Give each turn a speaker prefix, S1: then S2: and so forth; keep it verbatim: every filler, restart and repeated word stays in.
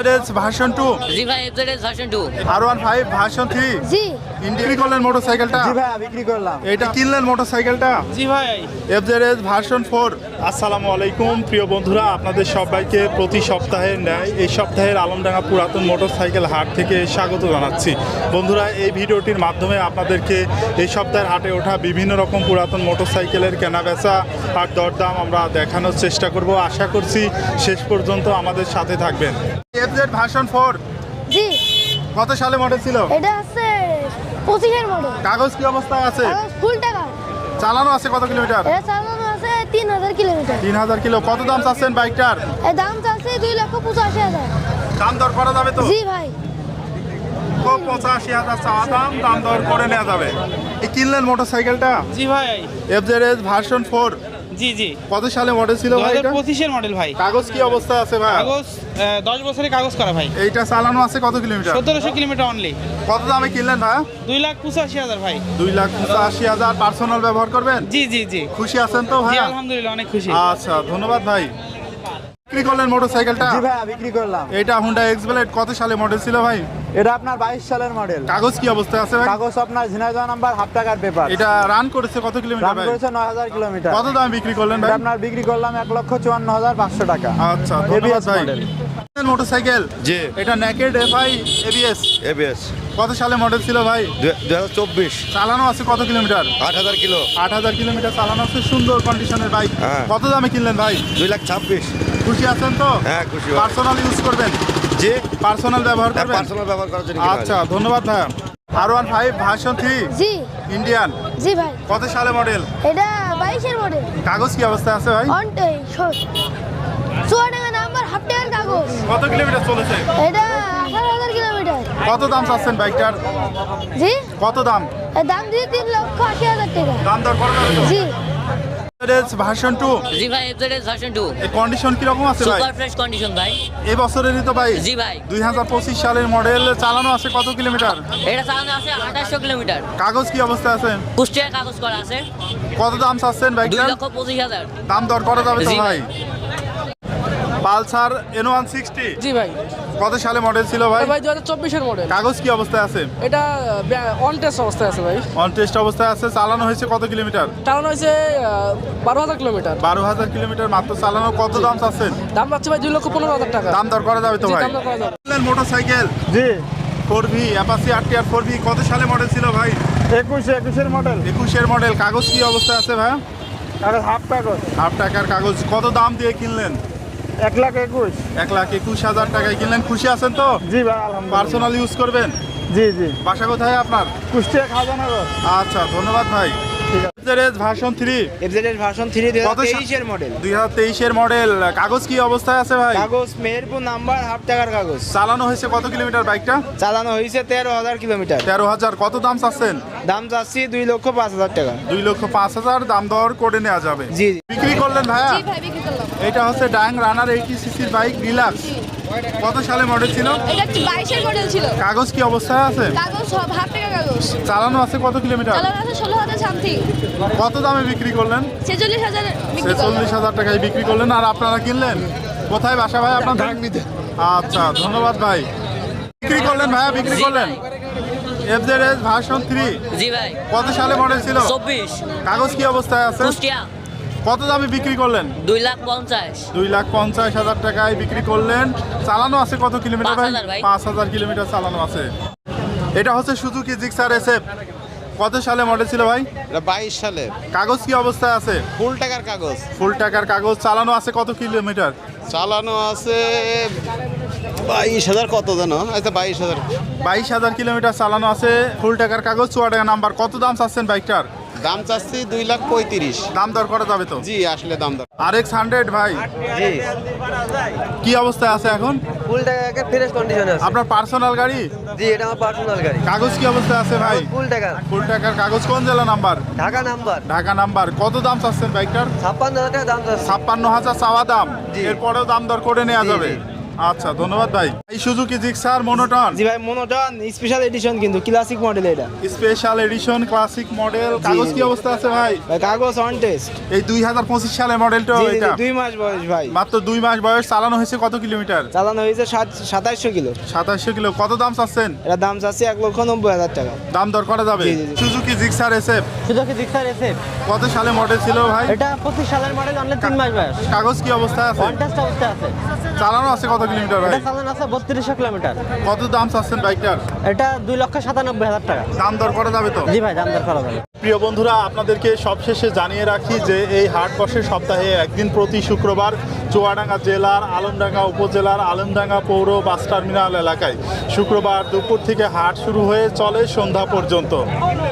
S1: Version two
S2: জি ভাই FZS version two
S1: R one five version three
S3: জি
S1: বিক্রি করলেন মোটরসাইকেলটা?
S4: জি ভাই বিক্রি করলাম।
S1: এটা কিনলেন মোটরসাইকেলটা?
S5: জি ভাই
S1: এফজেডএস ভার্সন ফোর। আসসালামু আলাইকুম প্রিয় বন্ধুরা, আপনাদের সবাইকে প্রতি সপ্তাহের ন্যায় এই সপ্তাহের আলমডাঙ্গা পুরাতন মোটরসাইকেল হাট থেকে স্বাগত জানাচ্ছি। বন্ধুরা, এই ভিডিওটির মাধ্যমে আপনাদেরকে এই সপ্তাহের হাটে ওঠা বিভিন্ন রকম পুরাতন মোটরসাইকেলের কেনাবেচা আর দরদাম আমরা দেখানোর চেষ্টা করব। আশা করছি শেষ পর্যন্ত আমাদের সাথে থাকবেন। এফজেড ভার্সন ফোর
S3: জি
S1: কত সালে মডেল ছিল?
S3: এটা আছে পঁচিশের মডেল।
S1: কাগজ কি অবস্থায় আছে?
S3: ফুল টাকা।
S1: চালানো আছে কত কিলোমিটার?
S3: এটা চালানো আছে তিন হাজার কিলোমিটার।
S1: তিন হাজার কিলো। কত দাম চাচ্ছেন বাইকটার?
S3: এর দাম চাচ্ছে দুই লক্ষ পঁচাশি হাজার।
S1: দাম দর করা যাবে তো?
S3: জি ভাই
S1: পঁচাশি হাজার চাওয়া দাম, দাম দর করে নেওয়া যাবে। এই কিনলেন মোটরসাইকেলটা?
S5: জি ভাই
S1: এফজেডএস ভার্সন ফোর
S5: জি জি
S1: কত সালে মডেল ছিল
S5: দু
S1: ভাই
S5: হাজার
S1: এটা?
S5: পঁচিশের মডেল ভাই।
S1: কাগজ কি অবস্থায় আছে ভাই?
S5: কাগজ আহ, দশ বছরের কাগজ করা ভাই।
S1: এইটা চালানো আছে কত কিলোমিটার?
S5: সতেরোশো কিলোমিটার অনলি।
S1: কত দামে কিনলেন ভাই?
S5: দুই লাখ পঁচাশি হাজার ভাই।
S1: দুই লাখ পঁচাশি হাজার। পার্সোনাল ব্যবহার করবেন?
S5: জি জি জি
S1: খুশি আছেন তো ভাই?
S5: জি আলহামদুলিল্লাহ অনেক খুশি।
S1: আচ্ছা, ধন্যবাদ ভাই। বিক্রি করলেন মোটরসাইকেলটা?
S4: জি ভাই বিক্রি করলাম।
S1: এটা হুন্ডা এক্স ব্লেড কত সালে মডেল ছিল ভাই?
S4: এটা আপনার বাইশ সালের মডেল।
S1: কাগজ কি অবস্থায় আছে ভাই?
S4: কাগজ আপনার ঝিনাইদহ নাম্বার, হাফ টাকার পেপার।
S1: এটা রান করেছে কত কিলোমিটার
S4: দাম
S1: ভাই?
S4: করেছে নয় হাজার কিলোমিটার।
S1: কত দাম বিক্রি করলেন ভাই?
S4: এটা আপনার বিক্রি করলাম এক লক্ষ চুয়ান্ন হাজার পাঁচশো টাকা।
S1: আচ্ছা, ধন্যবাদ
S4: এবিএস
S1: ভাই।
S4: মডেল।
S1: মোটরসাইকেল
S6: জি
S1: এটা নেকেড এফআই এবিএস
S6: এবিএস
S1: কত সালে মডেল ছিল ভাই?
S6: দুই হাজার চব্বিশ
S1: চালানো আছে কত কিলোমিটার?
S6: আট হাজার কিলো
S1: আট হাজার কিলোমিটার চালানো আছে। সুন্দর কন্ডিশনের বাইক।
S6: হ্যাঁ।
S1: কত দামে কিনলেন ভাই?
S6: দুই লাখ ছাব্বিশ।
S1: খুশি আছেন তো?
S6: হ্যাঁ খুশি ভাই।
S1: পার্সোনাল ইউজ করবেন?
S6: জি
S1: পার্সোনাল ব্যবহার করবেন?
S6: পার্সোনাল ব্যবহার করার জন্য কিনা
S1: আচ্ছা, ধন্যবাদ ভাই। R one five version three
S3: জি
S1: ইন্ডিয়ান
S3: জি ভাই
S1: কত সালে মডেল?
S3: এটা বাইশের মডেল।
S1: কাগজ কি অবস্থায় আছে ভাই?
S3: অনটাই চুয়াডাঙ্গা নাম্বার, হাফ টাকার কাগজ।
S1: কত কিলোমিটার চলেছে?
S3: এটা আঠারো হাজার কিলোমিটার।
S1: কত দাম চাচ্ছেন বাইকটার?
S3: জি
S1: কত দাম?
S3: এর দাম দিয়ে তিন লক্ষ আশি হাজার টাকা।
S1: দাম দর করা যাবে তো?
S3: জি
S1: ভার্সন টু
S2: জি ভাই এফজেডএস ভার্সন টু
S1: এই কন্ডিশন কিরকম আছে ভাই?
S2: সুপার ফ্রেশ কন্ডিশন ভাই।
S1: এই বছরেরই তো ভাই?
S2: জি ভাই
S1: দুই হাজার পঁচিশ সালের মডেল। চালানো আছে কত কিলোমিটার?
S2: এটা চালানো আছে আঠাশশো কিলোমিটার।
S1: কাগজ কি অবস্থায় আছে?
S2: কুষ্টিয়ার কাগজ করা আছে।
S1: কত দাম চাচ্ছেন
S2: দুই
S1: বাইকটার?
S2: লক্ষ পঁচিশ হাজার।
S1: দাম দর করা যাবে তো
S2: জি
S1: ভাই? পালসার এন ওয়ান সিক্সটি
S7: জি ভাই
S1: কত সালে মডেল ছিল ভাই?
S7: ভাই দু হাজার চব্বিশের মডেল।
S1: কাগজ কি অবস্থায় আছে?
S7: এটা অন টেস্ট অবস্থায় আছে ভাই।
S1: অন টেস্ট অবস্থায় আছে। চালানো হয়েছে কত কিলোমিটার?
S7: চালানো হয়েছে বারো হাজার কিলোমিটার।
S1: বারো হাজার কিলোমিটার মাত্র চালানো। কত দাম চাচ্ছেন?
S7: দাম পাচ্ছে ভাই দুই লক্ষ পনেরো হাজার টাকা।
S1: দাম দর করা যাবে তো
S7: জি,
S1: ভাই?
S7: দাম দর করা যাবে।
S1: Motorcycle
S4: G
S1: four V Apache R T R four V কত সালে মডেল ছিল ভাই?
S4: একুশ একুশের মডেল।
S1: একুশের মডেল। কাগজ কি অবস্থায় আছে ভাই?
S4: কাগজ হাফ কাগজ।
S1: হাফ টাকার কাগজ। কত দাম দিয়ে কিনলেন?
S4: এক লাখ একুশ।
S1: এক লাখ একুশ হাজার টাকায় কিনলেন। খুশি আছেন তো?
S4: জি ভাই আলহামদুলিল্লাহ।
S1: পার্সোনাল ইউজ করবেন?
S4: জি জি
S1: বাসা কোথায় আপনার?
S4: কুষ্টিয়া খাজানগর।
S1: আচ্ছা, ধন্যবাদ ভাই। FZS version three
S8: FZS version three দুই
S1: কত
S8: হাজার
S1: সা-
S8: তেইশের মডেল।
S1: দুই হাজার তেইশের মডেল। কাগজ কি অবস্থায় আছে ভাই?
S8: কাগজ মেহেরপুর নাম্বার, হাফ টাকার কাগজ।
S1: চালানো হয়েছে কত কিলোমিটার বাইকটা?
S8: চালানো হয়েছে তেরো হাজার কিলোমিটার।
S1: তেরো হাজার। কত দাম চাচ্ছেন?
S8: দাম চাচ্ছি দুই লক্ষ পাঁচ হাজার টাকা।
S1: দুই লক্ষ পাঁচ হাজার। দাম দর করে নেওয়া যাবে।
S8: জি জি
S1: বিক্রি করলেন ভাইয়া?
S3: জি ভাই বিক্রি করলাম।
S1: এটা হচ্ছে ডাং রানার এইটি সিসির বাইক ডিলাক্স। কত সালে মডেল ছিল?
S3: এটা কি বাইশের মডেল ছিল।
S1: কাগজ কি অবস্থায় আছে?
S3: কাগজ সব হাফ টাকা কাগজ।
S1: চালানো আছে কত কিলোমিটার?
S3: চালানো আছে ষোলো হাজার সামথিং।
S1: কত দামে বিক্রি করলেন?
S3: ছেচল্লিশ হাজার বিক্রি করলাম।
S1: ছেচল্লিশ হাজার টাকায় বিক্রি করলেন। আর আপনারা কিনলেন কোথায়? বাসা ভাই আপনার? আচ্ছা, ধন্যবাদ ভাই। বিক্রি করলেন ভাইয়া? বিক্রি
S2: জি
S1: করলেন?
S2: ভাই।
S1: এফজেডএস ভার্সন থ্রি
S2: জি ভাই
S1: কত সালে মডেল ছিল?
S2: চব্বিশ
S1: কাগজ কি অবস্থায় আছে?
S2: কুষ্টিয়া
S1: কত দামে বিক্রি করলেন?
S2: দুই লাখ পঞ্চাশ।
S1: দুই লাখ পঞ্চাশ হাজার টাকায় বিক্রি করলেন। চালানো আছে কত কিলোমিটার
S2: পাঁচ
S1: ভাই?
S2: হাজার ভাই।
S1: পাঁচ হাজার কিলোমিটার চালানো আছে। এটা হচ্ছে সুজুকি জিক্সার এসএফ কত সালে মডেল ছিল ভাই?
S6: এটা বাইশ সালে
S1: কাগজ কি অবস্থায় আছে?
S6: ফুল টাকার কাগজ।
S1: ফুল টাকার কাগজ। চালানো আছে কত কিলোমিটার?
S6: চালানো আছে বাইশ হাজার কত জানো? আচ্ছা বাইশ হাজার।
S1: বাইশ হাজার কিলোমিটার চালানো আছে। ফুল টাকার কাগজ। চুয়াডাঙ্গা নাম্বার। কত দাম চাচ্ছেন বাইকটার?
S6: দাম চাচ্ছি দুই লাখ পঁয়ত্রিশ।
S1: দাম দর করা যাবে তো?
S6: জি আসলে দাম দর।
S1: আর এক্স হান্ড্রেড ভাই
S8: জি
S1: কি অবস্থায় আছে এখন?
S8: ফুল টাকা ফ্রেশ কন্ডিশনে আছে।
S1: আপনার পার্সোনাল গাড়ি?
S8: জি এটা আমার পার্সোনাল গাড়ি।
S1: কাগজ কি অবস্থায় আছে ভাই?
S8: ফুল টাকা
S1: ফুল টাকার কাগজ। কোন জেলা number?
S8: Dhaka number.
S1: Dhaka number. কত দাম চাচ্ছেন বাইকটার?
S8: ছাপ্পান্ন হাজার টাকা দাম চাচ্ছে।
S1: ছাপ্পান্ন হাজার চাওয়া দাম।
S8: জি।
S1: এরপরেও দাম দর করে নেওয়া
S8: জি,
S1: যাবে।
S8: জি।
S1: আচ্ছা ধন্যবাদ ভাই। এই সুজুকি জিক্সার মনোটন
S8: জি ভাই মনোটন স্পেশাল এডিশন কিন্তু ক্লাসিক মডেল এটা
S1: স্পেশাল এডিশন ক্লাসিক মডেল, কাগজ কি অবস্থা আছে ভাই?
S8: ভাই কাগজ অন টেস্ট
S1: এই দুই হাজার পঁচিশ সালের মডেলটা
S8: জি জি,
S1: এটা
S8: দুই মাস বয়স ভাই
S1: মাত্র দুই মাস বয়স, চালানো হয়েছে কত কিলোমিটার?
S8: চালানো হয়েছে সাতাইশশো কিলো।
S1: সাতাশশো কিলো। কত দাম চাচ্ছেন?
S8: এটা দাম চাচ্ছি এক লক্ষ নব্বই হাজার টাকা।
S1: দাম দর করা যাবে?
S8: জি, জি, জি।
S1: Suzuki Gixxer SF
S9: Suzuki Gixxer SF
S1: কত সালে মডেল ছিল ভাই?
S9: এটা পঁচিশ সালের মডেল, অনলি তিন মাস বয়স।
S1: কাগজ কি অবস্থায় আছে?
S9: ওয়ান টেস্ট অবস্থায় আছে।
S1: চালানো আছে কত কিলোমিটার ভাই?
S9: এটা চালানো আছে বত্রিশশো কিলোমিটার।
S1: কত দাম চাচ্ছেন বাইকটার?
S9: এটা দুই লক্ষ সাতানব্বই হাজার টাকা।
S1: দাম দর করা যাবে তো?
S9: জি ভাই, দাম দর করা যাবে।
S1: প্রিয় বন্ধুরা, আপনাদেরকে সবশেষে জানিয়ে রাখি যে এই হাট বসে সপ্তাহে একদিন প্রতি শুক্রবার চুয়াডাঙ্গা জেলার আলমডাঙ্গা উপজেলার আলমডাঙ্গা পৌর বাস টার্মিনাল এলাকায়। শুক্রবার দুপুর থেকে হাট শুরু হয়ে চলে সন্ধ্যা পর্যন্ত।